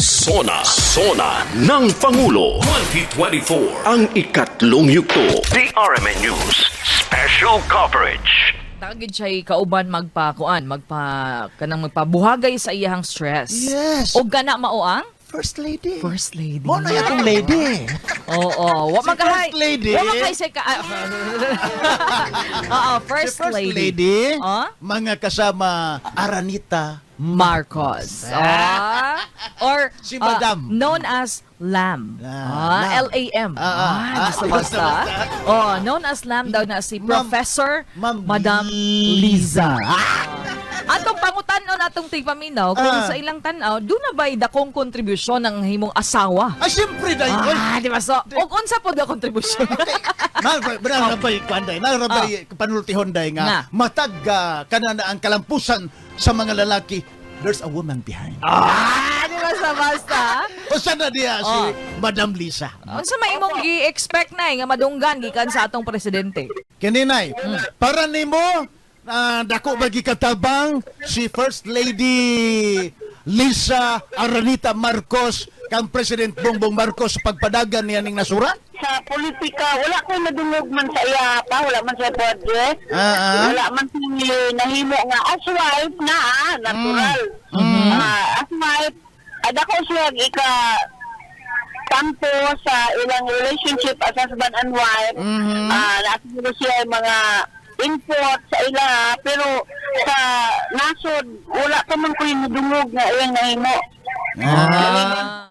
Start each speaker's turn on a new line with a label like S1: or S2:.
S1: Sona ng Pangulo 2024. Ang ikatlong yugto.
S2: DRMN News Special Coverage.
S3: Tagid siya'y kauban kanang magpabuhagay sa iyahang stress.
S4: Yes.
S3: O gana maoang?
S4: First lady.
S3: First lady.
S4: Mo na yatong lady.
S3: Oo. Wa
S4: Si
S3: magkahay.
S4: First Lady.
S3: Wa magkahay sa Oo, First
S4: Si First
S3: Lady.
S4: lady,
S3: Ah?
S4: mga kasama Aranita
S3: Marcos. Or
S4: Si Madam.
S3: known as Lam.
S4: Lam.
S3: L-A-M.
S4: basta.
S3: Basta. Known as Lam daw na si Professor
S4: Ma'am
S3: Madam
S4: Liza.
S3: Atong pangutan-on atong tigpaminaw kung sa ilang tanaw, doon na ba'y dakong kontribusyon ng himong asawa?
S4: Ay, siyempre na yun.
S3: Di ba? So, ug unsa po da kontribusyon?
S4: Narabay kwanday, narabay panultihon day
S3: Nga.
S4: nga matag kanana ang kalampusan sa mga lalaki. There's a woman behind.
S3: Di ba sa basta?
S4: O sana diya si Madam Lisa.
S3: Unsa may imong gi-expect na nga madunggan gikan sa atong presidente?
S4: Kaninay, para nimo dako bagi katabang si First Lady Lisa Aranita Marcos kang President Bongbong Marcos sa pagpadagan niya ning nasurat?
S5: Sa politika, wala ko nadungog man sa iya pa, wala man sa project. Wala man siya nahimo nga as wife na, natural. As wife, adako siya tampo sa ilang relationship as husband and wife. Nasiguro siya yung mga input sa ila, pero sa nasod, wala pa man ko yung nadungog nga iyang nahimo.